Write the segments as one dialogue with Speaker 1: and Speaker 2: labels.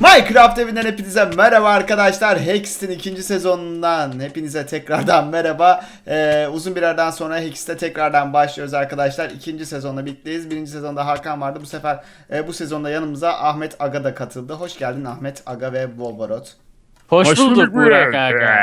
Speaker 1: Minecraft evinden hepinize merhaba arkadaşlar. Hext'in ikinci sezonundan hepinize tekrardan merhaba. Uzun bir aradan sonra Hext'te tekrardan başlıyoruz arkadaşlar. İkinci sezonla birlikteyiz. Birinci sezonda Hakan vardı. Bu sefer bu sezonda yanımıza Ahmet Aga da katıldı. Hoş geldin Ahmet Aga ve Wolverot.
Speaker 2: Hoş bulduk Burak Aga.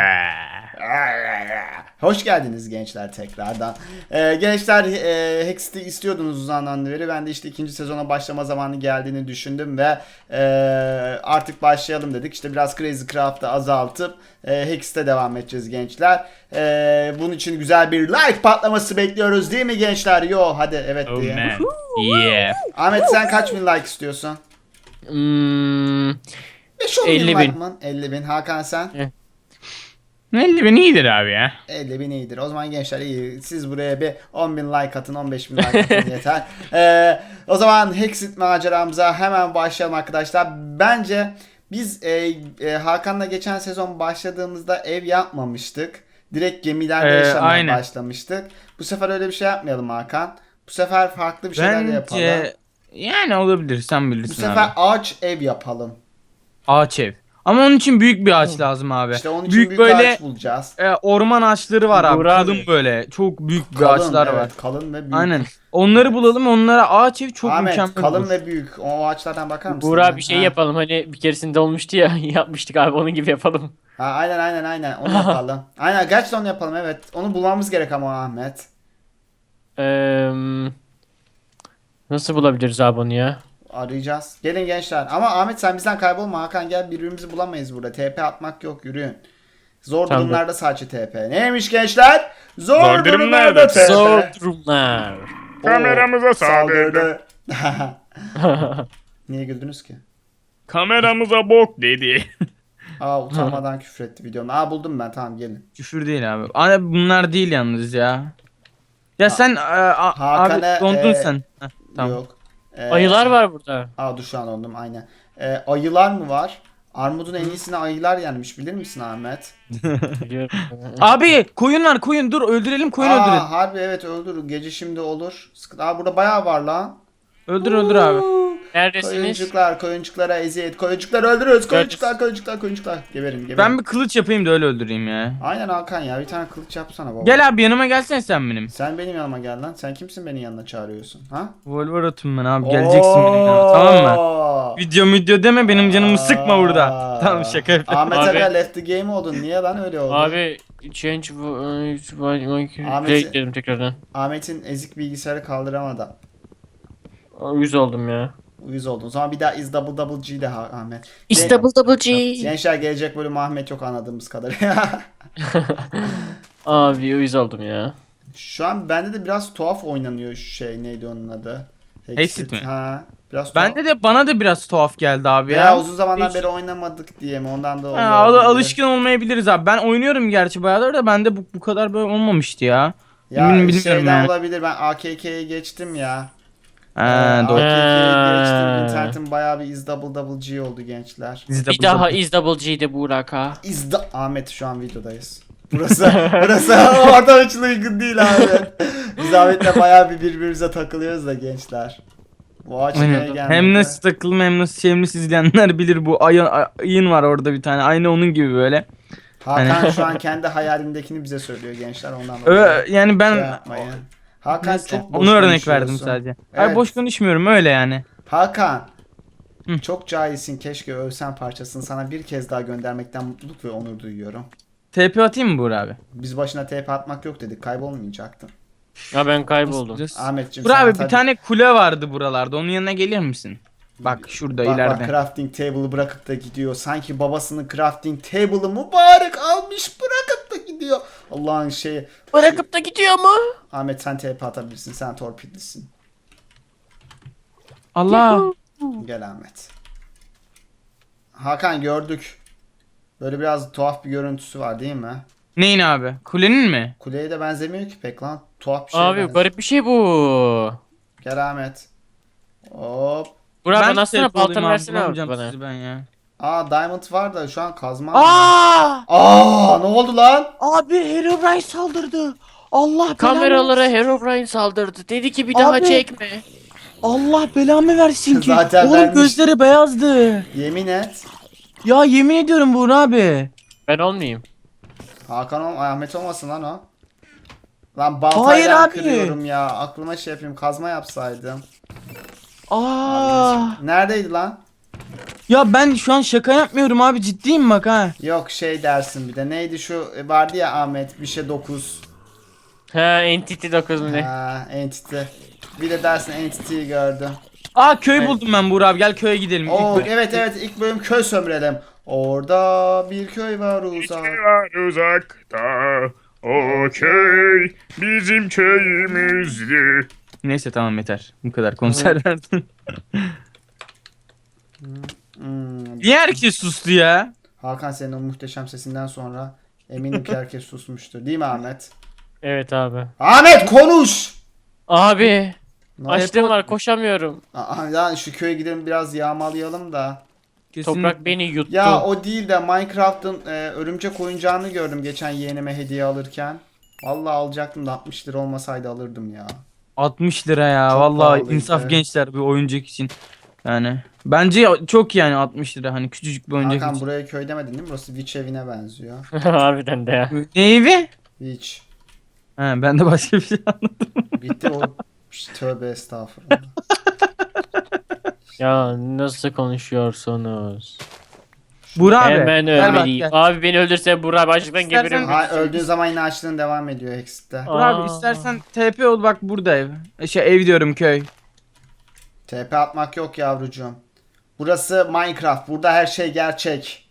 Speaker 1: Hoş geldiniz gençler tekrardan. Gençler Hext'i istiyordunuz uzandan beri. Ben de işte ikinci sezona başlama zamanı geldiğini düşündüm ve artık başlayalım dedik. İşte biraz Crazy Craft'ı azaltıp Hext'e devam edeceğiz gençler. Bunun için güzel bir like patlaması bekliyoruz değil mi gençler? Yo hadi evet
Speaker 2: Oh
Speaker 1: diye.
Speaker 2: man. Yeah.
Speaker 1: Ahmet sen kaç bin like istiyorsun? 5-10 bin
Speaker 2: 50
Speaker 1: like
Speaker 2: bin.
Speaker 1: mı? 50 bin. Hakan sen?
Speaker 2: 50 bin iyidir abi ya.
Speaker 1: 50 bin iyidir. O zaman gençler iyi. Siz buraya bir 10 bin like atın, 15 bin like atın yeter. O zaman Hexit maceramıza hemen başlayalım arkadaşlar. Bence biz Hakan'la geçen sezon başladığımızda ev yapmamıştık. Direkt gemilerde yaşamaya
Speaker 2: aynen.
Speaker 1: başlamıştık. Bu sefer öyle bir şey yapmayalım Hakan. Bu sefer farklı bir şeyler yapalım.
Speaker 2: Bence yani olabilir, sen
Speaker 1: Bu
Speaker 2: bilirsin
Speaker 1: sefer
Speaker 2: abi.
Speaker 1: ağaç ev yapalım.
Speaker 2: Ağaç ev. Ama onun için büyük bir ağaç lazım abi.
Speaker 1: İşte onun için büyük
Speaker 2: böyle
Speaker 1: ağaç bulacağız.
Speaker 2: orman ağaçları var abi.
Speaker 3: Burak
Speaker 2: Kalın
Speaker 3: abi.
Speaker 2: böyle. Çok büyük bir
Speaker 1: Kalın,
Speaker 2: ağaçlar
Speaker 1: evet,
Speaker 2: var.
Speaker 1: kalın ve büyük.
Speaker 2: Aynen. Onları bulalım. Onlara ağaç ev çok
Speaker 1: Ahmet
Speaker 2: mükemmel
Speaker 1: kalın
Speaker 2: olur.
Speaker 1: ve büyük. O ağaçlardan bakar mısın?
Speaker 3: Burak bir şey
Speaker 1: Ha.
Speaker 3: yapalım, hani bir keresinde olmuştu ya, yapmıştık abi, onun gibi yapalım.
Speaker 1: Ha, aynen onu yapalım. Aynen gerçekten onu yapalım evet. Onu bulmamız gerek ama Ahmet.
Speaker 3: Eee Nasıl bulabiliriz abi onu ya?
Speaker 1: Arayacağız. Gelin gençler. Ama Ahmet sen bizden kaybolma. Hakan gel birbirimizi bulamayız burada. TP atmak yok yürüyün. Zor
Speaker 3: Tamam.
Speaker 1: durumlarda sadece TP. Neymiş gençler? Zor,
Speaker 2: Zor
Speaker 1: durumlarda
Speaker 2: durumlarda
Speaker 1: TP.
Speaker 3: Zor durumlar.
Speaker 1: Oo,
Speaker 2: Kameramıza saldırdı.
Speaker 1: Niye güldünüz ki?
Speaker 2: Kameramıza bok dedi.
Speaker 1: Aa utanmadan küfür etti videomda. Aa buldum ben tamam gelin.
Speaker 2: Küfür değil abi. Abi bunlar değil yalnız ya. Ya sen
Speaker 1: Hakan'a,
Speaker 2: abi dondun sen. Heh, tamam.
Speaker 1: Yok.
Speaker 3: Ayılar var burada.
Speaker 1: Aa dur şu an oldum aynen. Ayılar mı var? Armudun en iyisine ayılar yenmiş bilir misin Ahmet?
Speaker 3: Biliyorum.
Speaker 2: Abi koyun var, koyun, dur öldürelim, koyun öldürelim.
Speaker 1: Harbi evet öldür. Gece şimdi olur. Sıkıntı. Aa burada bayağı var lan.
Speaker 2: Öldür abi.
Speaker 3: Neredesiniz?
Speaker 1: Koyuncuklara eziyet. Koyuncukları öldürüyoruz. Koyuncuklar. Geberin.
Speaker 2: Ben bir kılıç yapayım da öyle öldüreyim ya.
Speaker 1: Aynen Hakan ya bir tane kılıç yapsana baba.
Speaker 2: Gel abi yanıma gelsene sen benim.
Speaker 1: Sen benim yanıma gel lan. Sen kimsin benim yanına çağırıyorsun? Ha?
Speaker 2: Wolverot'um ben abi, geleceksin benim yanıma, tamam mı?
Speaker 1: Oo.
Speaker 2: Video deme, benim canımı sıkma burada.
Speaker 1: Aa.
Speaker 2: Tamam, şaka yapıyorum.
Speaker 1: Ahmet
Speaker 3: Abi.
Speaker 1: Aga left the game oldun. Niye lan öyle oldu?
Speaker 3: Abi change
Speaker 1: Ahmet-
Speaker 3: dedim tekrardan.
Speaker 1: Ahmet'in ezik bilgisayarı kaldıramadı.
Speaker 3: 100 oldum ya.
Speaker 1: Uyuz oldun. O zaman bir daha is double G de Ahmet.
Speaker 3: Is
Speaker 1: Gen-
Speaker 3: double G.
Speaker 1: Gençler gelecek bölüm Ahmet yok anladığımız kadarıyla.
Speaker 3: Abi 100 oldum ya.
Speaker 1: Şu an bende de biraz tuhaf oynanıyor şu şey neydi onun adı?
Speaker 2: Hexit mi?
Speaker 1: Ha. Biraz tuhaf.
Speaker 2: Bende de bana da biraz tuhaf geldi abi
Speaker 1: Veya
Speaker 2: ya.
Speaker 1: uzun zamandan
Speaker 2: Hiç-
Speaker 1: beri oynamadık diye mi ondan da
Speaker 2: Ha,
Speaker 1: oluyor.
Speaker 2: alışkın olmayabiliriz abi. Ben oynuyorum gerçi bayağıdır da bende bu kadar böyle olmamıştı ya.
Speaker 1: Ya
Speaker 2: Bilmiyorum
Speaker 1: şeyden
Speaker 2: ya.
Speaker 1: olabilir ben AKK'ye geçtim ya.
Speaker 2: Ha, doğru.
Speaker 1: AKK'ye geçtim.
Speaker 3: Ha.
Speaker 1: İnternetim bayağı bir is double G oldu gençler.
Speaker 3: Bir daha is double G'de Burak ha.
Speaker 1: Ahmet şu an videodayız. Burası ortam için uygun değil abi. Biz Ahmet'le bayağı bir birbirimize takılıyoruz da gençler. Bu ağaç neye
Speaker 2: Aynen.
Speaker 1: gelmedi?
Speaker 2: Hem nasıl takılım hem nasıl sevimli izleyenler bilir, bu ayın var orada bir tane, aynı onun gibi böyle.
Speaker 1: Hakan şu an kendi hayalindekini bize söylüyor gençler ondan dolayı.
Speaker 2: Yani ben
Speaker 1: Şey yapmayın. Hakan
Speaker 2: neyse,
Speaker 1: çok boş
Speaker 2: onu örnek
Speaker 1: konuşuyorsun.
Speaker 2: verdim sadece.
Speaker 1: Evet.
Speaker 2: Ay boş konuşmuyorum öyle yani.
Speaker 1: Hakan.
Speaker 2: Hı.
Speaker 1: Çok cahilsin keşke övsen parçasını sana bir kez daha göndermekten mutluluk ve onur duyuyorum.
Speaker 2: TP atayım mı Buğra abi?
Speaker 1: Biz başına TP atmak yok dedik kaybolmayacaktın.
Speaker 3: Ya ben kayboldum.
Speaker 1: Ahmetciğim
Speaker 2: Buğra
Speaker 1: sana
Speaker 2: abi
Speaker 1: tabii-
Speaker 2: bir tane kule vardı buralarda, onun yanına gelir misin? Bak şurada
Speaker 1: Bak
Speaker 2: ileride.
Speaker 1: crafting table'ı bırakıp da gidiyor. Sanki babasının crafting table'ı mübarek almış bırakıp da gidiyor. Allah'ın şeyi.
Speaker 3: Bırakıp da gidiyor mu?
Speaker 1: Ahmet sen TP atabilirsin. Sen torpillisin.
Speaker 2: Allah.
Speaker 1: Gel Ahmet. Hakan gördük. Böyle biraz tuhaf bir görüntüsü var değil mi?
Speaker 2: Neyin abi? Kulenin mi?
Speaker 1: Kuleye de benzemiyor ki pek lan. Tuhaf bir şey.
Speaker 3: Abi garip bir şey bu.
Speaker 1: Gel Ahmet. Hop.
Speaker 3: Burak
Speaker 2: Ben
Speaker 3: bana aslında
Speaker 2: TP olayım
Speaker 3: baltanı
Speaker 2: abi,
Speaker 3: versene abi
Speaker 2: bulamayacağım
Speaker 3: bana.
Speaker 2: sizi ben ya.
Speaker 1: Aa diamond var da şu an kazma.
Speaker 2: Aa!
Speaker 1: Ne oldu lan?
Speaker 2: Abi Herobrine saldırdı. Allah
Speaker 3: Kameralara Herobrine saldırdı. Dedi ki bir daha
Speaker 2: Abi.
Speaker 3: çekme.
Speaker 2: Allah belamı versin ki.
Speaker 1: Zaten
Speaker 2: Oğlum
Speaker 1: vermiş.
Speaker 2: gözleri beyazdı.
Speaker 1: Yemin et.
Speaker 2: Ya yemin ediyorum Buğra abi.
Speaker 3: Ben olmayayım.
Speaker 1: Ahmet olmasın lan o. Lan
Speaker 2: Hayır
Speaker 1: baltayla
Speaker 2: abi.
Speaker 1: kırıyorum ya. Aklıma şey yapayım, kazma yapsaydım.
Speaker 2: Aa.
Speaker 1: Neredeydi lan?
Speaker 2: Ya ben şu an şaka yapmıyorum abi, ciddiyim bak ha.
Speaker 1: Yok şey dersin bir de. Neydi şu vardı ya Ahmet bir şey 9.
Speaker 3: Ha, Entity 9 mu ne?
Speaker 1: Ha, Entity. Bir de dersin Entity'yi gördüm.
Speaker 2: Aa, köy
Speaker 3: Evet.
Speaker 2: buldum ben Buğra abi, gel köye gidelim. İlk
Speaker 1: Oo,
Speaker 2: bölüm-
Speaker 1: evet ilk bölüm köy sömürelim. Orada bir köy var uzak.
Speaker 4: Var uzakta o köy bizim köyümüzdü.
Speaker 2: Neyse tamam, yeter. Bu kadar konser verdim.
Speaker 1: Hmm.
Speaker 2: Niye herkes sustu ya?
Speaker 1: Hakan senin o muhteşem sesinden sonra eminim ki herkes susmuştur. Değil mi Ahmet?
Speaker 3: Evet abi.
Speaker 1: Ahmet konuş!
Speaker 3: Abi.
Speaker 1: Ne
Speaker 3: Açlığım var, koşamıyorum.
Speaker 1: Ya şu köye gidelim biraz yağmalayalım da.
Speaker 2: Kesin.
Speaker 3: Toprak beni yuttu.
Speaker 1: Ya o değil de Minecraft'ın örümcek oyuncağını gördüm geçen yeğenime hediye alırken. Vallahi alacaktım da 60 lira olmasaydı alırdım ya.
Speaker 2: 60 lira ya.
Speaker 1: Çok
Speaker 2: Vallahi
Speaker 1: pahalıydı.
Speaker 2: insaf gençler bir oyuncak için. Yani bence çok, yani 60 lira, hani küçücük bir oyuncak
Speaker 1: Hakan
Speaker 2: için.
Speaker 1: buraya köy demedin değil mi? Burası Witch evine benziyor.
Speaker 3: Harbiden de ya.
Speaker 2: Ne evi?
Speaker 1: Witch.
Speaker 2: Ha, ben de başka bir şey anladım.
Speaker 1: Bitti o. Tövbe estağfurullah.
Speaker 3: Ya nasıl konuşuyorsunuz?
Speaker 2: Buğra abi.
Speaker 3: Hemen
Speaker 2: gel bak,
Speaker 3: ölmeliyim.
Speaker 2: gel.
Speaker 3: Abi beni öldürse Burak abi açlıktan
Speaker 2: İstersen-
Speaker 3: geberirim.
Speaker 1: Ha, öldüğün zaman yine açlığın devam ediyor Hexit'te.
Speaker 2: Buğra abi
Speaker 3: Aa.
Speaker 2: istersen TP ol, bak burada ev. Ev diyorum, köy.
Speaker 1: TP atmak yok yavrucuğum. Burası Minecraft. Burada her şey gerçek.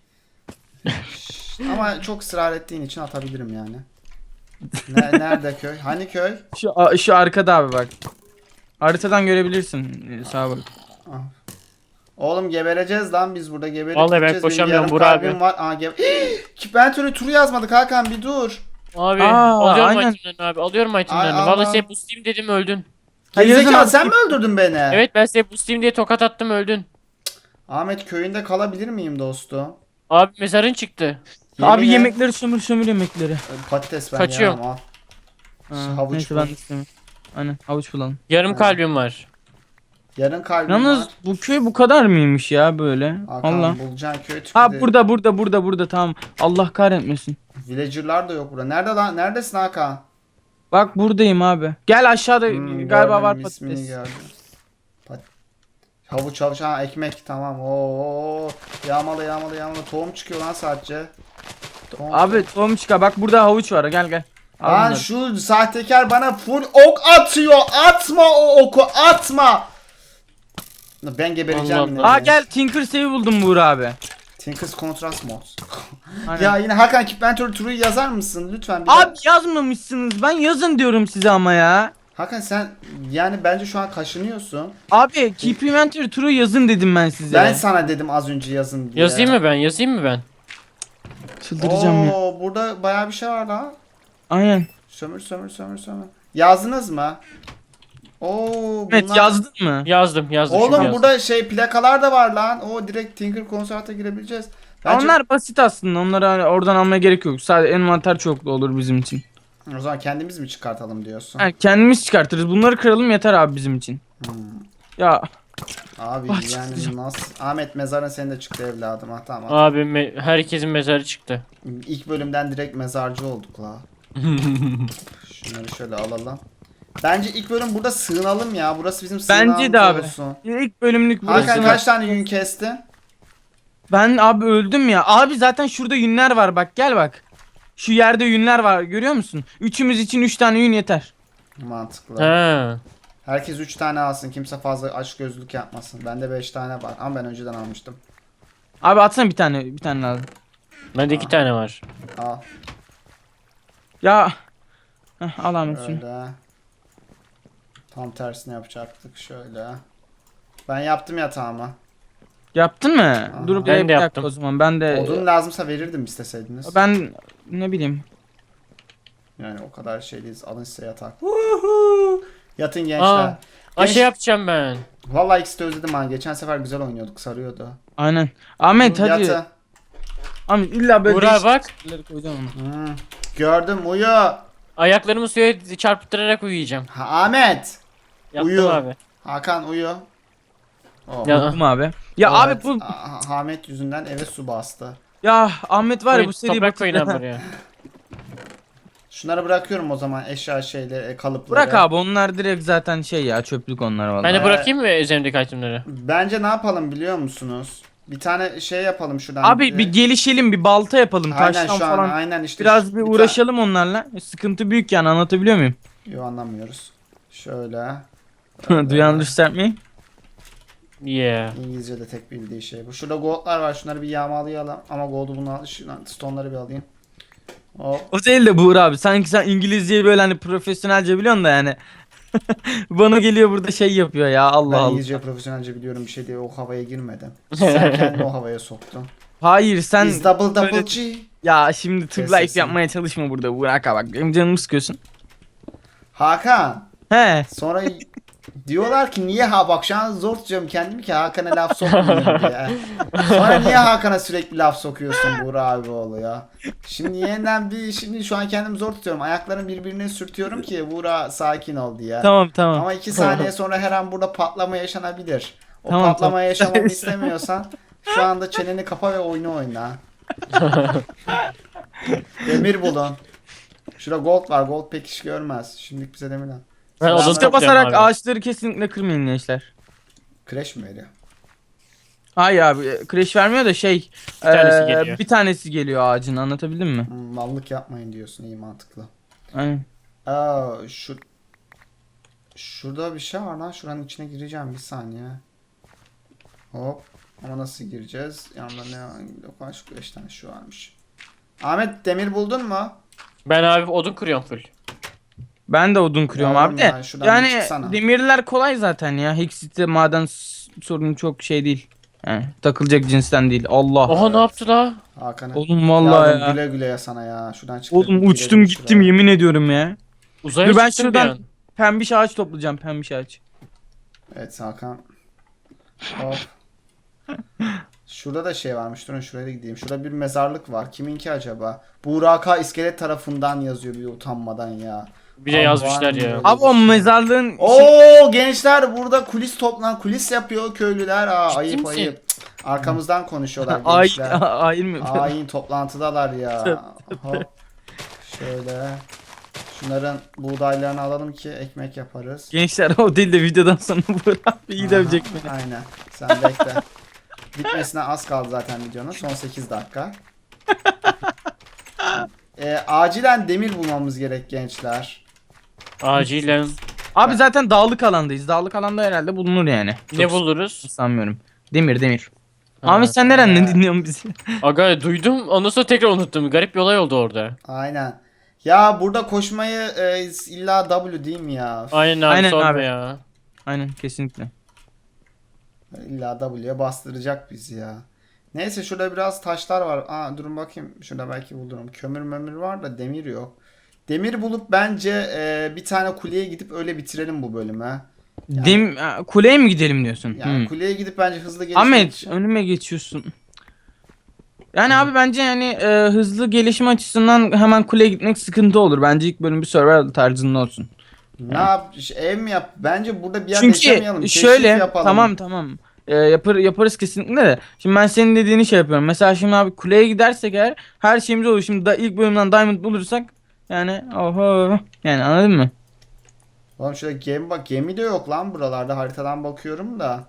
Speaker 1: Ama çok ısrar ettiğin için atabilirim yani. Nerede köy? Hani köy?
Speaker 2: Şu arkada abi bak. Haritadan görebilirsin. Sağa bak.
Speaker 1: Oğlum gebereceğiz lan biz burada geberip
Speaker 3: Vallahi ben
Speaker 1: gideceğiz. Benim
Speaker 3: koşamıyorum
Speaker 1: yarım
Speaker 3: Burak
Speaker 1: kalbim
Speaker 3: abi.
Speaker 1: var. Ben turu yazmadık Hakan bir dur.
Speaker 3: Abi
Speaker 2: Aa,
Speaker 3: alıyorum
Speaker 2: aynen.
Speaker 3: itemlerini abi. Alıyorum itemlerini.
Speaker 1: Ay,
Speaker 3: Vallahi
Speaker 1: Allah.
Speaker 3: size boostlayayım dedim öldün.
Speaker 1: Gerizekalı
Speaker 2: yazın
Speaker 1: sen
Speaker 2: abi.
Speaker 1: mi öldürdün beni?
Speaker 3: Evet, ben size boostlayayım diye tokat attım öldün.
Speaker 1: Ahmet köyünde kalabilir miyim dostum?
Speaker 3: Abi mezarın çıktı.
Speaker 2: Abi
Speaker 1: Yemin et.
Speaker 2: yemekleri sömür yemekleri.
Speaker 1: Patates ben
Speaker 3: Kaçıyorum.
Speaker 1: yemem, al.
Speaker 2: Ha,
Speaker 1: Havuç
Speaker 2: neyse
Speaker 1: bul.
Speaker 2: ben de istemiyorum. Aynen, havuç bulalım.
Speaker 3: Yarım kalbim var.
Speaker 1: Yarın kalbim
Speaker 2: Yalnız
Speaker 1: var.
Speaker 2: bu köy bu kadar mıymış ya böyle?
Speaker 1: Hakan
Speaker 2: Allah.
Speaker 1: bulacaksın köy tüpü
Speaker 2: Ha,
Speaker 1: de-
Speaker 2: burada tamam. Allah kahretmesin.
Speaker 1: Villager'lar da yok burada. Nerede lan? Neredesin Hakan?
Speaker 2: Bak buradayım abi. Gel aşağıda galiba
Speaker 1: Gördüm,
Speaker 2: var
Speaker 1: ismini
Speaker 2: patates.
Speaker 1: gördüm. Havuç ha ekmek tamam. Oo yağmala. Tohum çıkıyor lan sadece.
Speaker 2: Abi tohum çıkar. Bak burada havuç var. Gel. Al
Speaker 1: Lan
Speaker 2: bunları.
Speaker 1: şu sahtekar bana full ok atıyor. Atma o oku atma. Ben gebereceğim
Speaker 3: Allah
Speaker 1: yine.
Speaker 3: Allah.
Speaker 2: Aa gel, Tinker Save'i buldum Buğra abi.
Speaker 1: Tinker's Contrast Mod.
Speaker 2: Aynen.
Speaker 1: Ya yine Hakan Kipmentor Turu'yu yazar mısın lütfen?
Speaker 2: Abi yazmamışsınız. Ben yazın diyorum size ama ya.
Speaker 1: Hakan sen yani bence şu an kaşınıyorsun.
Speaker 2: Abi Keep Inventory Turu yazın dedim ben size.
Speaker 1: Ben sana dedim az önce yazın diye.
Speaker 3: Yazayım mı ben? Yazayım mı ben?
Speaker 2: Çıldıracağım ya.
Speaker 1: Oo, burada bayağı bir şey var daha.
Speaker 2: Aynen.
Speaker 1: Sömür. Yazdınız mı? Oo,
Speaker 2: Evet,
Speaker 1: bunlar-
Speaker 2: yazdın mı?
Speaker 3: Yazdım şimdi
Speaker 1: Oğlum
Speaker 3: yazdım.
Speaker 1: burada şey plakalar da var lan. O direkt Tinker Concert'a girebileceğiz. Bence...
Speaker 2: Onlar basit aslında. Onları hani oradan almaya gerek yok. Sadece envanter çoklu olur bizim için.
Speaker 1: O zaman kendimiz mi çıkartalım diyorsun?
Speaker 2: Ha, kendimiz çıkartırız. Bunları kıralım yeter abi bizim için.
Speaker 1: Hmm.
Speaker 2: Ya
Speaker 1: Abi
Speaker 2: Ah,
Speaker 1: yani
Speaker 2: çıkacağım.
Speaker 1: nasıl? Ahmet mezarın senin de çıktı evladım. Ha tamam.
Speaker 3: Abi herkesin mezarı çıktı.
Speaker 1: İlk bölümden direkt mezarcı olduk la. Şunları şöyle alalım. Bence ilk bölüm burada sığınalım ya. Burası bizim sığınağımız
Speaker 2: bence de abi.
Speaker 1: olsun.
Speaker 2: İlk bölümlük burası.
Speaker 1: Hakan kaç tane yün kestin?
Speaker 2: Ben abi öldüm ya. Abi zaten şurada yünler var, bak gel bak. Şu yerde yünler var, görüyor musun? Üçümüz için 3 tane yün yeter.
Speaker 1: Mantıklı.
Speaker 3: Ha.
Speaker 1: Herkes 3 tane alsın. Kimse fazla aç gözlük yapmasın. Bende 5 tane var. Ama ben önceden almıştım.
Speaker 2: Abi atsana bir tane lazım.
Speaker 3: Bende 2 tane var.
Speaker 1: Al.
Speaker 2: Ya. Heh, al Ahmet şunu.
Speaker 1: Öyle. Tam tersini yapacaktık. Şöyle. Ben yaptım yatağımı.
Speaker 2: Yaptın mı?
Speaker 1: Aha.
Speaker 2: Dur
Speaker 3: Ben
Speaker 2: bir
Speaker 3: de
Speaker 2: dakika
Speaker 3: yaptım.
Speaker 2: o zaman. Ben de
Speaker 1: Odun lazımsa verirdim isteseydiniz.
Speaker 2: ben ne bileyim.
Speaker 1: Yani o kadar şey değiliz. Alın size yatak. Woohoo! Yatın gençler.
Speaker 3: Aa, Şey yapacağım ben.
Speaker 1: Vallahi ikisi de özledim ha. Geçen sefer güzel oynuyorduk. Sarıyordu.
Speaker 2: Aynen. Ahmet hadi.
Speaker 1: Yatı.
Speaker 2: Ahmet illa böyle
Speaker 3: Burak bak.
Speaker 2: şeyleri koyacağım ona.
Speaker 1: Gördüm uyu.
Speaker 3: Ayaklarımı suya çarpıttırarak uyuyacağım.
Speaker 1: Ha, Ahmet.
Speaker 3: Yaptım
Speaker 1: Uyu.
Speaker 3: abi.
Speaker 1: Hakan uyu. Oh.
Speaker 3: Ya.
Speaker 2: Buldum abi. Ya
Speaker 1: Evet,
Speaker 2: abi bu
Speaker 1: Ahmet yüzünden eve su bastı.
Speaker 2: ya Ahmet var ya bu seri
Speaker 3: Toprak koyun abi oraya.
Speaker 1: Şunları bırakıyorum o zaman eşya kalıpları.
Speaker 2: Bırak abi onlar direkt zaten şey ya çöplük onlar vallahi.
Speaker 3: Ben de bırakayım mı üzerimdeki itemleri?
Speaker 1: Bence ne yapalım biliyor musunuz? Bir tane şey yapalım şuradan.
Speaker 2: Abi bir gelişelim bir balta yapalım
Speaker 1: aynen
Speaker 2: taştan
Speaker 1: şu an
Speaker 2: falan.
Speaker 1: aynen işte.
Speaker 2: Biraz bir uğraşalım onlarla. Sıkıntı büyük yani anlatabiliyor muyum?
Speaker 1: Yok anlamıyoruz. Şöyle.
Speaker 2: Do you understand me?
Speaker 3: Yeah.
Speaker 1: İngilizce'de tek bildiği şey bu. Şurada goldlar var. Şunları bir yağmalayalım. Ama gold'u bunu al. Şuradan stone'ları bir alayım. Hop.
Speaker 2: O değil de Buğra abi. Sanki sen İngilizceyi böyle hani profesyonelce biliyorsun da yani. Bana geliyor burada şey yapıyor ya Allah
Speaker 1: Ben
Speaker 2: Allah.
Speaker 1: İngilizce profesyonelce biliyorum bir şey diye o havaya girmedim. Sen kendini o havaya soktun.
Speaker 2: Hayır sen
Speaker 1: Is double
Speaker 2: böyle-
Speaker 1: G.
Speaker 2: ya şimdi tug
Speaker 1: Kes
Speaker 2: life
Speaker 1: sesini.
Speaker 2: yapmaya çalışma burada Burak abi bak benim canımı sıkıyorsun.
Speaker 1: Hakan.
Speaker 2: He.
Speaker 1: Sonra diyorlar ki niye bak şu an zor tutuyorum kendimi ki Hakan'a laf sokmayayım diye. Sonra niye Hakan'a sürekli laf sokuyorsun Buğra abi oğlu ya. Şimdi yeniden şimdi şu an kendimi zor tutuyorum. Ayaklarımı birbirine sürtüyorum ki Buğra sakin ol diye.
Speaker 2: Tamam.
Speaker 1: Ama 2 saniye sonra her an burada patlama yaşanabilir. O
Speaker 2: Tamam,
Speaker 1: patlama
Speaker 2: tamam.
Speaker 1: yaşamamı istemiyorsan şu anda çeneni kapa ve oyunu oyna. Demir bulun. Şurada gold var. Gold pek iş görmez. Şimdilik bize demir al.
Speaker 3: Ben
Speaker 1: Selam.
Speaker 3: odun
Speaker 2: İşte
Speaker 3: topluyorum
Speaker 2: basarak
Speaker 3: abi.
Speaker 2: ağaçları kesinlikle kırmayın gençler.
Speaker 1: Crash mi veriyor?
Speaker 2: Hayır abi crash vermiyor da şey
Speaker 3: tanesi geliyor.
Speaker 2: bir tanesi geliyor ağacın anlatabildim mi?
Speaker 1: Mallık yapmayın diyorsun. İyi mantıklı.
Speaker 2: Aynen.
Speaker 1: Şurada bir şey var lan. Şuranın içine gireceğim bir saniye. Hop. Ama nasıl gireceğiz? Yanında ne var? Yok şu 5 tane şu varmış. Ahmet demir buldun mu?
Speaker 3: Ben abi odun kırıyorum full.
Speaker 2: Ben de odun kırıyorum
Speaker 1: Yavrum
Speaker 2: abi de.
Speaker 1: ya, şuradan bir
Speaker 2: Yani
Speaker 1: çıksana.
Speaker 2: demirler kolay zaten ya. Hexit'te maden sorunu çok şey değil. Yani takılacak cinsten değil. Allah.
Speaker 3: Oha ne yaptı la?
Speaker 1: Hakan'a.
Speaker 2: Oğlum vallahi
Speaker 1: Yavrum,
Speaker 2: ya.
Speaker 1: güle güle ya sana ya. Şuradan çık.
Speaker 2: Oğlum uçtum gittim yemin ediyorum ya.
Speaker 3: Uzaya
Speaker 2: Dur ben
Speaker 3: çıktım bir
Speaker 2: şuradan
Speaker 3: an.
Speaker 2: pembiş ağaç toplayacağım pembiş ağaç.
Speaker 1: Evet Hakan. Hop. Şurada da şey varmış. Durun şuraya da gideyim. Şurada bir mezarlık var. Kiminki acaba? Buraka iskelet tarafından yazıyor bir utanmadan ya.
Speaker 3: Bir de
Speaker 1: Abi
Speaker 3: yazmışlar
Speaker 1: var mı
Speaker 3: ya.
Speaker 1: böyle?
Speaker 2: Abi o mezarlığın
Speaker 1: Oo gençler burada kulis yapıyor köylüler.
Speaker 3: Ciddi
Speaker 1: Ayıp
Speaker 3: misin?
Speaker 1: ayıp. Cık, arkamızdan konuşuyorlar
Speaker 2: ay
Speaker 1: gençler.
Speaker 2: hayır mı?
Speaker 1: Ayin toplantıdalar ya. Hop. Şöyle. Şunların buğdaylarını alalım ki ekmek yaparız.
Speaker 2: Gençler o değil de videodan sonra Burak abi iyi dövecek
Speaker 1: Aha,
Speaker 2: beni.
Speaker 1: Aynen. Sen bekle. Bitmesine az kaldı zaten videonun. Son 8 dakika. Acilen demir bulmamız gerek gençler.
Speaker 3: Acilen.
Speaker 2: Abi zaten dağlık alandayız. Dağlık alanda herhalde bulunur yani.
Speaker 3: Ne
Speaker 2: Çok
Speaker 3: buluruz?
Speaker 2: sanmıyorum. Demir.
Speaker 3: Ha.
Speaker 2: Ahmet sen nereden dinliyorsun bizi?
Speaker 3: Aga duydum ondan sonra tekrar unuttum. Garip bir olay oldu orada.
Speaker 1: Aynen. Ya burada koşmayı illa W değil mi ya?
Speaker 3: Aynen abi
Speaker 2: Aynen
Speaker 3: sorma
Speaker 2: abi.
Speaker 3: ya.
Speaker 2: Aynen kesinlikle.
Speaker 1: İlla W'ye bastıracak bizi ya. Neyse şurada biraz taşlar var. Durun bakayım. Şurada belki bulurum. Kömür var da demir yok. Demir bulup bence bir tane kuleye gidip öyle bitirelim bu bölümü.
Speaker 2: Kuleye mi gidelim diyorsun?
Speaker 1: Yani kuleye gidip bence hızlı gelişmek
Speaker 2: Ahmet
Speaker 1: için.
Speaker 2: önüme geçiyorsun. Yani abi bence yani hızlı gelişme açısından hemen kuleye gitmek sıkıntı olur. Bence ilk bölüm bir survival tarzında olsun.
Speaker 1: Ne yap? Ev mi yap? Bence burada bir yer yaşamayalım.
Speaker 2: Çünkü
Speaker 1: Keşif
Speaker 2: şöyle
Speaker 1: yapalım.
Speaker 2: tamam. Yaparız kesinlikle de. Şimdi ben senin dediğini şey yapıyorum. Mesela şimdi abi kuleye gidersek eğer her şeyimiz olur. Şimdi ilk bölümden diamond bulursak yani oho yani anladın mı?
Speaker 1: Oğlum şurada gemi bak. Gemi de yok lan buralarda. Haritadan bakıyorum da.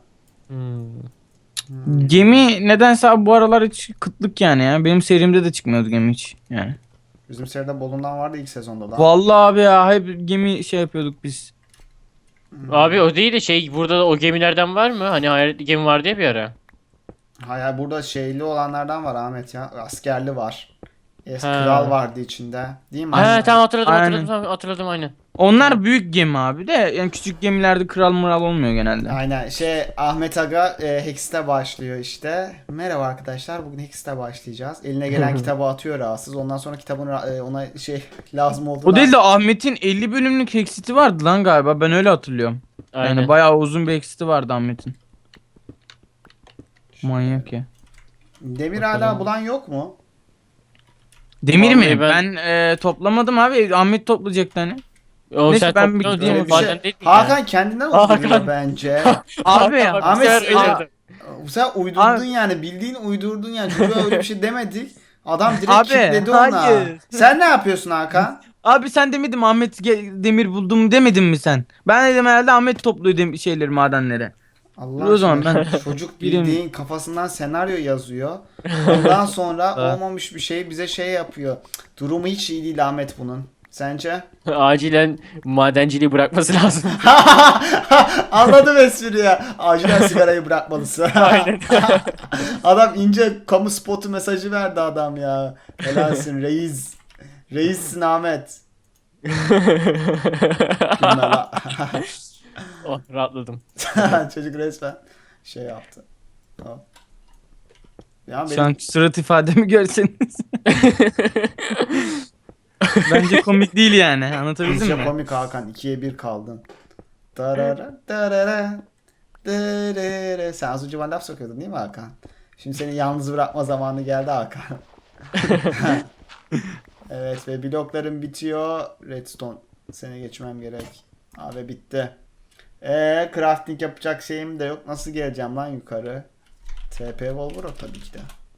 Speaker 2: Gemi nedense abi bu aralar hiç kıtlık yani ya. Benim serimde de çıkmıyordu gemi hiç yani.
Speaker 1: Bizim seride Bolu'ndan vardı ilk sezonda da.
Speaker 2: Vallahi abi ya hep gemi şey yapıyorduk biz.
Speaker 3: Abi o değil de şey burada da o gemilerden var mı? Hani hayaletli gemi vardı ya bir ara.
Speaker 1: Hayır burada şeyli olanlardan var Ahmet ya. Askerli var.
Speaker 3: Ha.
Speaker 1: Kral vardı içinde. Değil mi?
Speaker 3: Ha tamam hatırladım
Speaker 2: Aynen.
Speaker 3: hatırladım aynen.
Speaker 2: Onlar büyük gemi abi de yani küçük gemilerde kral mural olmuyor genelde.
Speaker 1: Aynen. Ahmet Aga Hex'te başlıyor işte. Merhaba arkadaşlar. Bugün Hex'te başlayacağız. Eline gelen kitabı atıyor rahatsız. Ondan sonra kitabın ona lazım olduğu.
Speaker 2: O değil de Ahmet'in 50 bölümlük exit'i vardı lan galiba. Ben öyle hatırlıyorum.
Speaker 3: Aynen.
Speaker 2: Yani bayağı uzun bir exit'i vardı Ahmet'in. Manyak ya.
Speaker 1: Demir
Speaker 3: Bakalım.
Speaker 1: hala bulan yok mu?
Speaker 2: Demir
Speaker 3: Vallahi
Speaker 2: mi? Ben toplamadım abi. Ahmet toplayacaktı hani.
Speaker 3: O
Speaker 2: Neyse,
Speaker 3: sen
Speaker 2: ben bir
Speaker 3: topluyorsun
Speaker 2: gideyim.
Speaker 3: değil mi?
Speaker 1: Öyle bir
Speaker 3: Maden değil
Speaker 1: şey.
Speaker 3: mi ya?
Speaker 1: Hakan kendinden
Speaker 3: Hakan.
Speaker 1: uyduruyor bence.
Speaker 2: Abi ya.
Speaker 3: Bak,
Speaker 1: Ahmet,
Speaker 3: bir sefer
Speaker 1: Aa,
Speaker 3: öyle.
Speaker 1: Sen uydurdun
Speaker 2: Abi-
Speaker 1: yani, bildiğin uydurdun yani. Çocuğa öyle bir şey demedik. Adam direkt
Speaker 2: Abi,
Speaker 1: kilitledi ona.
Speaker 2: hayır.
Speaker 1: Sen ne yapıyorsun Hakan?
Speaker 2: Abi sen demedin mi Ahmet demir buldum demedin mi sen? Ben dedim herhalde Ahmet topluyor şeyleri, madenleri.
Speaker 1: Allah
Speaker 2: O zaman
Speaker 1: aşkına,
Speaker 2: ben
Speaker 1: çocuk
Speaker 2: birim-
Speaker 1: bildiğin kafasından senaryo yazıyor. Ondan sonra olmamış bir şey bize şey yapıyor. Durumu hiç iyi değil Ahmet bunun. Sence?
Speaker 3: Acilen madenciliği bırakması lazım.
Speaker 1: Anladım espriyi. Acilen sigarayı bırakmalısın.
Speaker 3: Aynen.
Speaker 1: Adam ince kamu spotu mesajı verdi adam ya. Helalsin reis. Reissin Ahmet. Gülme la.
Speaker 3: Oh, rahatladım.
Speaker 1: Çocuk resmen şey yaptı. Tamam. Ya
Speaker 2: şu an surat ifademi görseniz. Bence komik değil yani. Anlatabildim
Speaker 1: Bizce
Speaker 2: mi?
Speaker 1: komik Hakan. 2'ye 1 kaldın. Tarara, tarara, tarara. Sen az önce bana laf sokuyordun değil mi Hakan? Şimdi seni yalnız bırakma zamanı geldi Hakan. Evet ve bloklarım bitiyor. Redstone. Seni geçmem gerek. Abi bitti. Crafting yapacak şeyim de yok. Nasıl geleceğim lan yukarı? TP Volvoro tabii ki de.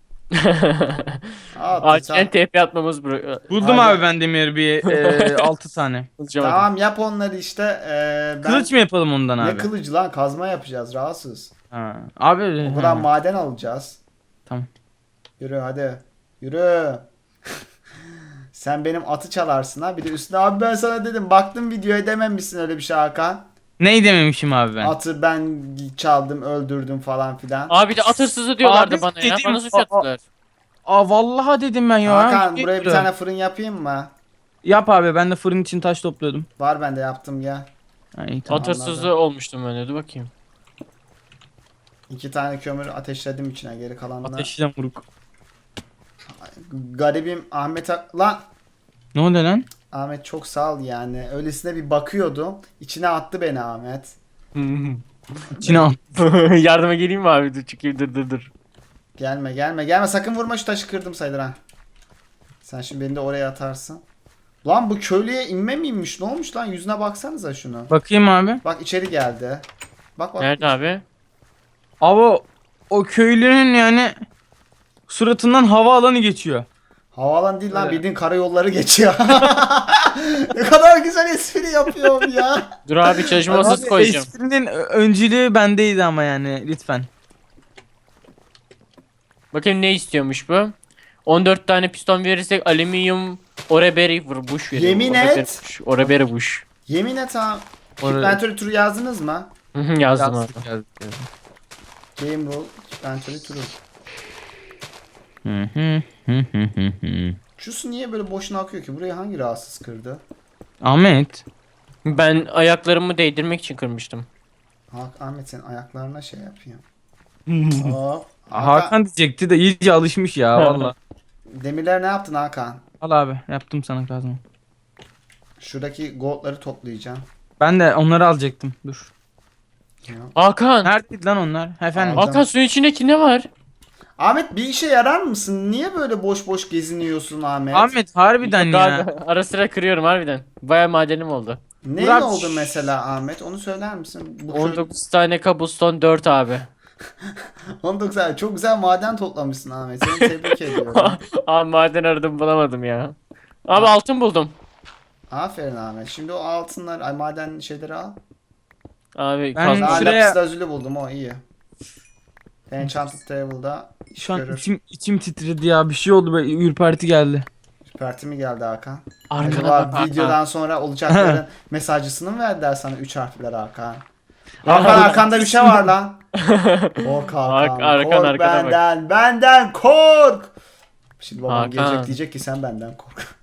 Speaker 3: Acilen TP atmamız
Speaker 2: Buldum
Speaker 1: Abi-
Speaker 2: abi ben demir bir 6 tane.
Speaker 1: Tamam yap onları işte. Ben...
Speaker 2: Kılıç mı yapalım ondan
Speaker 1: Ne
Speaker 2: abi?
Speaker 1: kılıcı lan? Kazma yapacağız rahatsız.
Speaker 2: Ha. Abi
Speaker 1: O kadar
Speaker 2: ha.
Speaker 1: maden alacağız.
Speaker 2: Tamam.
Speaker 1: Yürü hadi. Yürü. Sen benim atı çalarsın ha. Bir de üstüne abi ben sana dedim. Baktım videoya dememişsin öyle bir şey Hakan.
Speaker 2: Neyi dememişim abi ben?
Speaker 1: Atı ben çaldım öldürdüm falan filan.
Speaker 3: Abi de at hırsızı diyorlardı
Speaker 2: Abi
Speaker 3: bana ya.
Speaker 2: dedim,
Speaker 3: Bana suç attılar.
Speaker 2: Aa vallahi dedim ben ya.
Speaker 1: Hakan
Speaker 2: Şey
Speaker 1: buraya bir
Speaker 2: diyor.
Speaker 1: tane fırın yapayım mı?
Speaker 2: Yap abi, ben de fırın için taş topluyordum.
Speaker 1: Var bende yaptım ya.
Speaker 2: Ha, iyi, tamam.
Speaker 3: At hırsızı olmuştum ben de. Dur bakayım.
Speaker 1: 2 tane kömür ateşledim içine, geri kalanını.
Speaker 2: Ateşle vuruk.
Speaker 1: Garibim Ahmet lan.
Speaker 2: Ne oldu lan?
Speaker 1: Ahmet çok sağ ol yani. Öylesine bir bakıyordum. İçine attı beni Ahmet.
Speaker 2: İçine al.
Speaker 3: Yardıma geleyim mi abi? Dur çıkayım, dur.
Speaker 1: Gelme gelme gelme, sakın vurma, şu taşı kırdım sayılır ha. Sen şimdi beni de oraya atarsın. Lan bu köylüye inme miymiş? Ne olmuş lan? Yüzüne baksanıza şunu.
Speaker 2: Bakayım abi.
Speaker 1: Bak içeri geldi. Bak bak.
Speaker 3: Nerede abi?
Speaker 2: Abi o köylünün yani suratından hava alanı geçiyor.
Speaker 1: Havaalanı değil lan,
Speaker 2: Öyle.
Speaker 1: bildiğin karayolları geçiyor. Ne kadar güzel espri yapıyorum ya.
Speaker 3: Dur abi, çalışma masası
Speaker 2: Abi,
Speaker 3: koyacağım.
Speaker 2: esprinin öncülüğü bendeydi ama yani lütfen.
Speaker 3: Bakayım ne istiyormuş bu? 14 tane piston verirsek alüminyum oreberi bush veriyor.
Speaker 1: Yemin et.
Speaker 3: Oreberi bush.
Speaker 1: Yemin et ha.
Speaker 2: Oraya-
Speaker 1: Inventory turu yazdınız mı?
Speaker 3: Yazdım abi.
Speaker 2: Yazdık.
Speaker 1: Game rule, inventory turu. Şu su niye böyle boşuna akıyor ki? Buraya hangi rahatsız kırdı?
Speaker 2: Ahmet.
Speaker 3: Ben ayaklarımı değdirmek için kırmıştım.
Speaker 1: Ahmet senin ayaklarına şey yapıyor. Hop.
Speaker 2: Hakan diyecekti de iyice alışmış ya valla.
Speaker 1: Demirler ne yaptın Hakan?
Speaker 2: Al abi, yaptım sana kazma.
Speaker 1: Şuradaki goldları toplayacağım.
Speaker 2: Ben de onları alacaktım. Dur.
Speaker 3: Hakan!
Speaker 2: Neredeydi lan onlar? Efendim.
Speaker 1: Al.
Speaker 3: Hakan, suyun içindeki ne var?
Speaker 1: Ahmet bir işe yarar mısın? Niye böyle boş boş geziniyorsun Ahmet?
Speaker 2: Ahmet harbiden
Speaker 3: Yok
Speaker 2: ya.
Speaker 3: abi, ara sıra kırıyorum harbiden. Baya madenim oldu.
Speaker 1: Ne
Speaker 2: Murat-
Speaker 1: oldu mesela Ahmet? Onu söyler misin? Bu
Speaker 3: 19 tane cobblestone 4 abi.
Speaker 1: 19 ay. Çok güzel maden toplamışsın Ahmet. Seni tebrik ediyorum.
Speaker 3: Abi maden aradım bulamadım ya. Abi altın buldum.
Speaker 1: Aferin Ahmet. Şimdi o altınlar, ay maden şeyleri al.
Speaker 3: Abi
Speaker 2: Ben-
Speaker 3: kazma.
Speaker 1: Daha
Speaker 2: Şuraya-
Speaker 1: lapis lazuli buldum, o iyi. Enchanted Table'da iş
Speaker 2: Şu an
Speaker 1: görür.
Speaker 2: içim titredi ya. Bir şey oldu, böyle ürperti geldi.
Speaker 1: Süperti mi geldi Hakan?
Speaker 3: Arkana
Speaker 1: Acaba
Speaker 3: bak Hakan.
Speaker 1: videodan sonra olacakların mesajcısını mı verdiler sana 3 harfler Hakan? Hakan arkanda bir şey var lan. Kork Hakan.
Speaker 3: Arkan,
Speaker 1: Kork
Speaker 3: arkana bak.
Speaker 1: benden. Benden kork. Şimdi babam
Speaker 3: Hakan.
Speaker 1: gelecek, diyecek ki sen benden kork.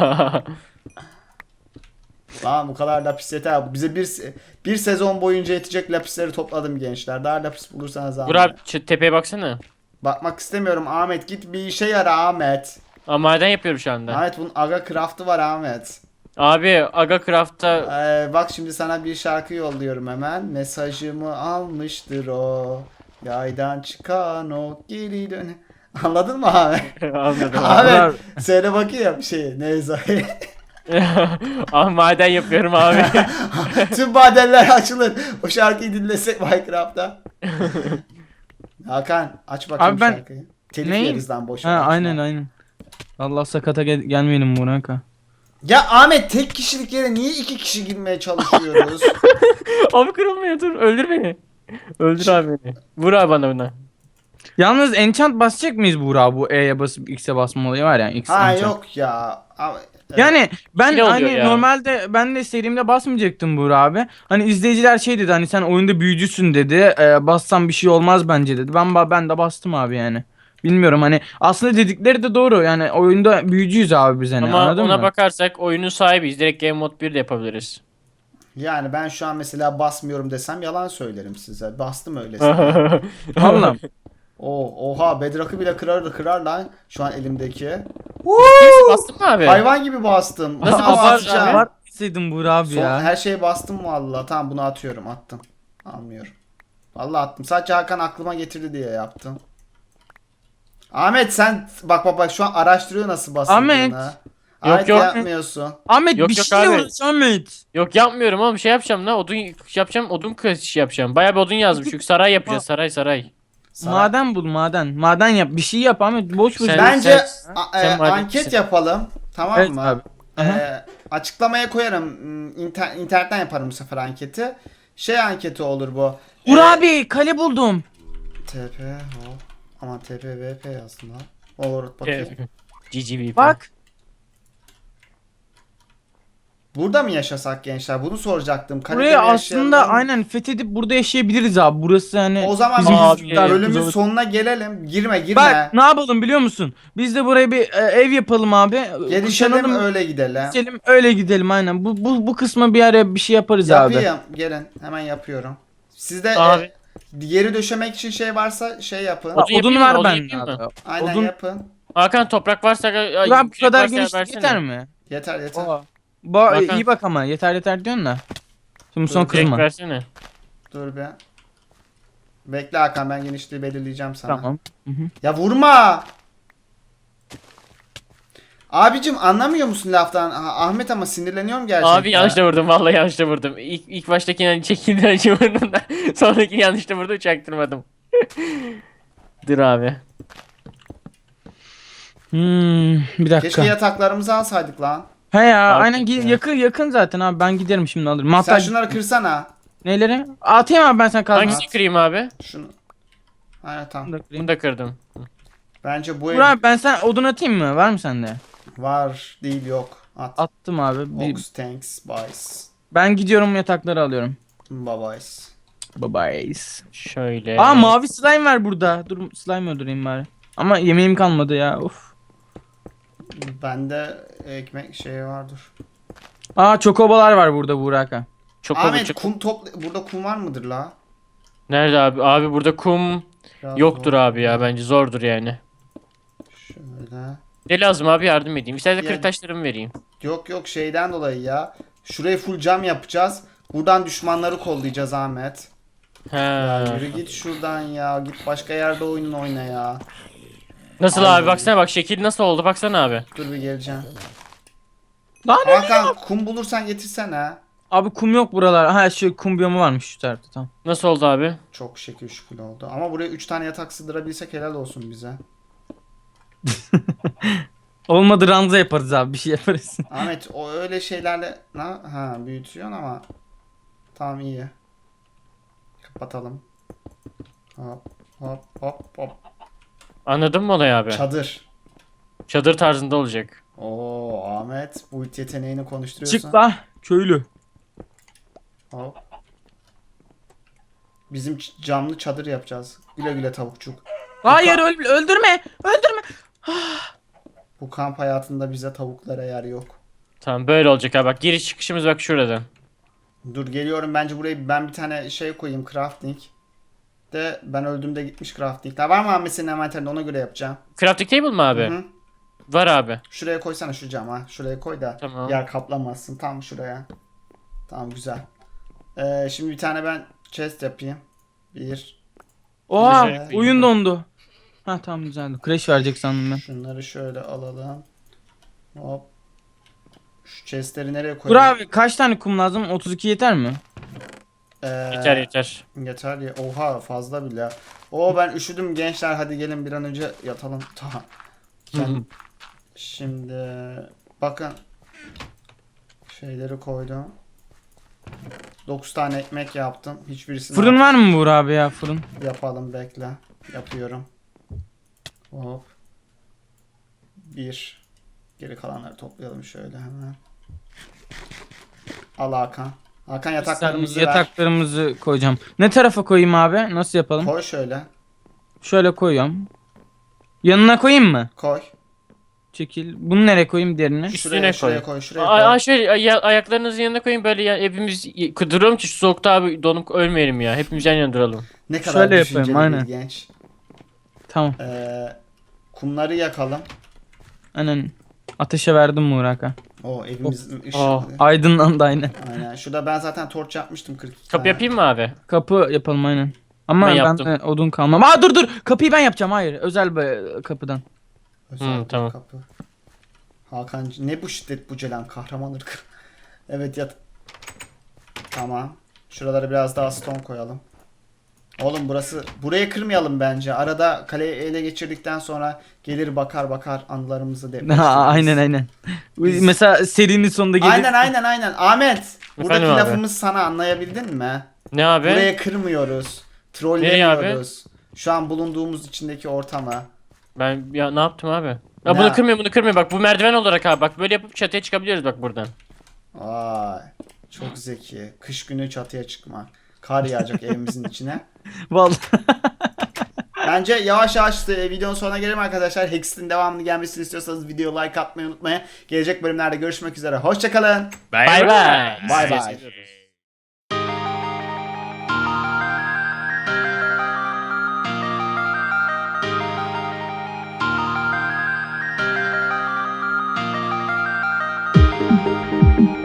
Speaker 1: Lan bu kadar lapis yeter. Bize bir sezon boyunca yetecek lapisleri topladım gençler. Daha lapis bulursanız
Speaker 3: Dur
Speaker 1: Ahmet.
Speaker 3: abi tepeye baksana.
Speaker 1: Bakmak istemiyorum Ahmet. Git bir işe yara Ahmet.
Speaker 3: Aa, maden yapıyorum şu anda.
Speaker 1: Ahmet bunun aga craft'ı var Ahmet.
Speaker 3: Abi Aga Craft'ta
Speaker 1: Bak şimdi sana bir şarkı yolluyorum hemen. Mesajımı almıştır o. Yaydan çıkan o geri dön. Anladın mı Ahmet?
Speaker 3: anladım abi.
Speaker 1: Ahmet söyle bakayım şeyi. Neyse.
Speaker 3: Ah maden yapıyorum abi.
Speaker 1: Tüm madenler açılır. O şarkıyı dinlesek Minecraft'ta. Hakan aç bakayım
Speaker 2: Abi ben-
Speaker 1: şarkıyı. Telif
Speaker 2: Neyi?
Speaker 1: yeriz lan boş
Speaker 2: Ha
Speaker 1: ver, açma.
Speaker 2: aynen. Allah sakata gelmeyelim Burak'a.
Speaker 1: Ya Ahmet tek kişilik yere niye 2 kişi girmeye çalışıyoruz?
Speaker 3: Abi kırılmıyor dur. Öldür beni. Öldür abi beni. Vur abi bana buna.
Speaker 2: Yalnız enchant basacak mıyız Burak, bu E'ye basıp X'e basma olayı var ya, X
Speaker 1: Ha
Speaker 2: enchant.
Speaker 1: yok ya. Ama,
Speaker 2: Yani ben
Speaker 3: İkili oluyor
Speaker 2: hani
Speaker 3: ya.
Speaker 2: normalde ben de serimde basmayacaktım Buğra abi. Hani izleyiciler şey dedi, hani sen oyunda büyücüsün dedi. Bassan bir şey olmaz bence dedi. Ben de bastım abi yani. Bilmiyorum, hani aslında dedikleri de doğru. Yani oyunda büyücüyüz abi biz, hani
Speaker 3: Ama
Speaker 2: anladın
Speaker 3: ona
Speaker 2: mı?
Speaker 3: bakarsak oyunun sahibiyiz. Direkt Game Mode 1 de yapabiliriz.
Speaker 1: yani ben şu an mesela basmıyorum desem yalan söylerim size. Bastım öylesine.
Speaker 2: Vallahi.
Speaker 1: Oha Bedrock'ı bile kırar lan şu an elimdeki.
Speaker 3: Kimse bastın mı abi?
Speaker 1: Hayvan gibi bastım.
Speaker 3: Nasıl
Speaker 1: Ama
Speaker 3: basar
Speaker 1: atacağım.
Speaker 3: abi?
Speaker 2: Var deseydin Buğra abi
Speaker 1: Son,
Speaker 2: ya.
Speaker 1: her şeye bastım valla. Tamam bunu atıyorum. Attım. Almıyorum. Vallahi attım. Sadece Hakan aklıma getirdi diye yaptım. Ahmet sen bak şu an araştırıyor nasıl basıldığını.
Speaker 2: Ahmet.
Speaker 1: Ahmet
Speaker 3: yok.
Speaker 1: yapmıyorsun.
Speaker 2: Ahmet
Speaker 3: Yok,
Speaker 2: bir
Speaker 3: yok
Speaker 2: şey
Speaker 3: abi.
Speaker 2: uğraş Ahmet.
Speaker 3: Yok yapmıyorum oğlum, şey yapacağım lan, odun yapacağım, odun kırışı yapacağım. Bayağı bir odun yazdım çünkü saray yapacağız, saray.
Speaker 1: Sana-
Speaker 2: Maden bul, maden. Maden yap. Bir şey yap Ahmet. Boş boş.
Speaker 3: Sen-
Speaker 1: Bence
Speaker 3: sen maden
Speaker 1: anket
Speaker 3: misin?
Speaker 1: yapalım. Tamam
Speaker 2: Evet
Speaker 1: mı?
Speaker 2: abi. Aha.
Speaker 1: Açıklamaya koyarım. İnternetten yaparım bu sefer anketi. Şey anketi olur bu.
Speaker 2: Buğra abi kale buldum.
Speaker 1: TP hop. Aman TP VP yazdım lan. Olur bakayım.
Speaker 3: GGVP.
Speaker 2: Bak.
Speaker 1: Burada mı yaşasak gençler? Bunu soracaktım. Kalede
Speaker 2: Buraya
Speaker 1: mi
Speaker 2: aslında
Speaker 1: yaşayalım?
Speaker 2: aynen fethedip burada yaşayabiliriz abi. Burası hani
Speaker 1: O zaman
Speaker 2: bizim
Speaker 3: Abi,
Speaker 1: biz bölümün
Speaker 2: güzel-
Speaker 1: sonuna gelelim. Girme.
Speaker 2: Bak ne yapalım biliyor musun? Biz de buraya bir ev yapalım abi.
Speaker 1: Gelişelim
Speaker 2: Kuşanalım,
Speaker 1: öyle gidelim.
Speaker 2: geçelim, öyle gidelim aynen. Bu kısma bir ara bir şey yaparız abi.
Speaker 1: Yapayım. Gelin. Hemen yapıyorum. Sizde
Speaker 3: Abi.
Speaker 1: yeri döşemek için şey varsa şey yapın.
Speaker 3: Odun
Speaker 2: Odun
Speaker 3: yapayım
Speaker 2: var
Speaker 3: mı? Odun
Speaker 2: bende
Speaker 3: yapayım mı?
Speaker 2: abi.
Speaker 1: Aynen
Speaker 2: Odun
Speaker 1: yapın.
Speaker 3: Hakan toprak varsa
Speaker 2: Burak bu
Speaker 3: kürek
Speaker 2: kadar
Speaker 3: varsa
Speaker 2: genişlik
Speaker 3: versene.
Speaker 2: yeter mi?
Speaker 1: Yeter yeter.
Speaker 2: Oha.
Speaker 3: Hakan.
Speaker 2: İyi bak ama yeter diyorsun da. Şimdi son
Speaker 3: Kürek
Speaker 2: kızma.
Speaker 3: versene.
Speaker 1: Dur be. Bekle Hakan ben genişliği belirleyeceğim sana.
Speaker 2: Tamam.
Speaker 1: Ya vurma. Abicim anlamıyor musun laftan? Ahmet ama sinirleniyorum gerçekten.
Speaker 3: Abi yanlışla vurdum, vallahi yanlışla vurdum. İlk baştakini hani çekildi önce vurdum da sonrakini yanlışla vurdum, çaktırmadım. Dur abi.
Speaker 2: Bir dakika.
Speaker 1: Keşke yataklarımızı alsaydık lan.
Speaker 2: He ya
Speaker 3: Abi,
Speaker 2: aynen
Speaker 3: ya.
Speaker 2: yakın zaten abi, ben giderim şimdi alırım.
Speaker 1: Sen
Speaker 2: Hatta
Speaker 1: şunları kırsana.
Speaker 2: neleri? Atayım abi ben sana kazma.
Speaker 3: Hangisini kırayım abi?
Speaker 1: Şunu. Aynen tamam.
Speaker 2: Bunu da kırayım.
Speaker 3: Bunu da kırdım.
Speaker 1: Bence bu ev
Speaker 2: Burak ben sen odun atayım mı? Var mı sende?
Speaker 1: var değil yok. At.
Speaker 2: Attım abi.
Speaker 1: Ox tanks buys.
Speaker 2: Ben gidiyorum yatakları alıyorum.
Speaker 1: Babays.
Speaker 2: Bye bye.
Speaker 3: Şöyle.
Speaker 2: Aa mavi slime var burada. Dur slime öldüreyim bari. Ama yemeğim kalmadı ya. Of.
Speaker 1: Bende ekmek şeyi vardır.
Speaker 2: Aa çokobalar var burada Burak'a.
Speaker 3: Çok
Speaker 1: Ahmet
Speaker 3: çok.
Speaker 1: kum burada kum var mıdır la?
Speaker 3: Nerede abi? Abi burada kum
Speaker 1: Biraz
Speaker 3: yoktur
Speaker 1: zor.
Speaker 3: abi ya, bence zordur yani.
Speaker 1: Şöyle.
Speaker 3: Ne lazım abi, yardım edeyim. İstersen
Speaker 1: Yani-
Speaker 3: kırık taşlarımı vereyim.
Speaker 1: Yok şeyden dolayı ya. Şurayı full cam yapacağız. Buradan düşmanları kollayacağız Ahmet.
Speaker 3: Ha.
Speaker 1: Yürü git şuradan ya. Git başka yerde oyunun oyna ya.
Speaker 3: Nasıl
Speaker 1: Aynen.
Speaker 3: abi, baksana bak şekil nasıl oldu, baksana abi.
Speaker 1: Dur bir geleceğim.
Speaker 2: Lan ne?
Speaker 1: Hakan kum bulursan getirsene.
Speaker 2: Abi kum yok buralar. Ha şu kum biyomu varmış şu tarafta, tamam.
Speaker 3: Nasıl oldu abi?
Speaker 1: Çok şekil şükür oldu. Ama buraya 3 tane yatak sığdırabilsek helal olsun bize.
Speaker 2: Olmadı ranza yaparız abi, bir şey yaparız.
Speaker 1: Ahmet o öyle şeylerle büyütüyorsun ama tamam iyi. Kapatalım. Hop hop.
Speaker 3: Anladın mı olayı abi?
Speaker 1: Çadır.
Speaker 3: Çadır tarzında olacak.
Speaker 1: Oo Ahmet bu it yeteneğini konuşturuyorsun.
Speaker 2: Çık la köylü.
Speaker 1: Hop. Bizim camlı çadır yapacağız. Güle güle tavukçuk.
Speaker 2: Hayır öldürme.
Speaker 1: Bu kamp hayatında bize tavuklara yer yok.
Speaker 3: Tamam böyle olacak abi, bak giriş çıkışımız bak şuradan.
Speaker 1: Dur geliyorum, bence buraya ben bir tane şey koyayım, crafting. De ben öldüğümde gitmiş craftingler. Var mı Ahmet senin envanterinde, ona göre yapacağım.
Speaker 3: Crafting table mı abi?
Speaker 1: Hı.
Speaker 3: Var abi.
Speaker 1: Şuraya koysana şu cama. Şuraya koy da
Speaker 3: Tamam.
Speaker 1: yer kaplamazsın. Tam şuraya. Tamam güzel. Şimdi bir tane ben chest yapayım. Bir.
Speaker 2: Oha
Speaker 1: Güzel.
Speaker 2: oyun dondu. Ha tamam güzeldi. Crash verecek sandım ben.
Speaker 1: Şunları şöyle alalım. Hop. Şu chestleri nereye
Speaker 2: Dur
Speaker 1: koyalım?
Speaker 2: abi kaç tane kum lazım? 32 yeter mi?
Speaker 3: Yeter yeter.
Speaker 1: Yeter ya. Oha fazla bile. Oo ben üşüdüm gençler, hadi gelin bir an önce yatalım. Tamam. Şimdi bakın. Şeyleri koydum. 9 tane ekmek yaptım. Hiçbirisini
Speaker 2: Fırın var mı Buğra abi ya fırın?
Speaker 1: yapalım, bekle. Yapıyorum. Hop. Bir. Geri kalanları toplayalım şöyle hemen. Al Hakan. Hakan yataklarımızı ver.
Speaker 2: Yataklarımızı koyacağım. Ne tarafa koyayım abi? Nasıl yapalım?
Speaker 1: Koy şöyle.
Speaker 2: Şöyle koyuyorum. Yanına koyayım mı?
Speaker 1: Koy.
Speaker 2: Çekil. Bunu nereye koyayım diğerini?
Speaker 3: Üstüne
Speaker 1: Şuraya
Speaker 3: koy.
Speaker 1: koy. Şuraya koy.
Speaker 3: Şöyle ayaklarınızın yanına koyun böyle ya, hepimiz duralım ki şu soğukta abi donup ölmeyelim ya. Hepimiz yan yana duralım.
Speaker 1: Ne kadar
Speaker 2: Şöyle
Speaker 1: düşünceli
Speaker 2: yapayım,
Speaker 1: bir
Speaker 2: aynen.
Speaker 1: genç.
Speaker 2: Tamam.
Speaker 1: Kumları yakalım.
Speaker 2: Aynen. Ateşe verdim Muğraka.
Speaker 1: O evimizin ışığı.
Speaker 3: Oh.
Speaker 2: Aydınlandı aynen.
Speaker 1: Aynen. Şurada ben zaten torç yapmıştım 42
Speaker 3: Kapı
Speaker 1: tane.
Speaker 3: yapayım mı abi?
Speaker 2: Kapı yapalım aynen. Ama
Speaker 3: Ben
Speaker 2: ben
Speaker 3: yaptım.
Speaker 2: odun kalmam. Aa dur. Kapıyı ben yapacağım. Hayır. Özel bir kapıdan.
Speaker 1: Özel bir
Speaker 3: tamam.
Speaker 1: kapı. Hakan ne bu şiddet bu Ceylan, kahraman ırkı. Evet yat. Tamam. Şuralara biraz daha stone koyalım. Oğlum burayı kırmayalım bence. Arada kaleyi ele geçirdikten sonra gelir bakar anılarımızı depreştiririz.
Speaker 2: aynen.
Speaker 1: Biz-
Speaker 2: Mesela serinin sonunda gelir.
Speaker 1: Aynen. Ahmet. Buradaki
Speaker 3: Efendim abi?
Speaker 1: lafımız sana, anlayabildin mi?
Speaker 3: Ne abi?
Speaker 1: Burayı kırmıyoruz.
Speaker 3: Nereye abi?
Speaker 1: Trollemiyoruz. Şu an bulunduğumuz içindeki ortamı.
Speaker 3: Ben ya ne yaptım abi? Ya
Speaker 1: Ne?
Speaker 3: bunu kırmıyor. Bak bu merdiven olarak abi. Bak böyle yapıp çatıya çıkabiliyoruz bak buradan.
Speaker 1: Vay. Çok zeki. Kış günü çatıya çıkma. Kar yağacak evimizin içine.
Speaker 2: Vallahi.
Speaker 1: Bence yavaş yavaş videonun sonuna gelelim arkadaşlar. Hexit'in devamını gelmesini istiyorsanız videoya like atmayı unutmayın. Gelecek bölümlerde görüşmek üzere. Hoşçakalın.
Speaker 3: Bay bay.
Speaker 1: Bay bay.
Speaker 5: Thank you.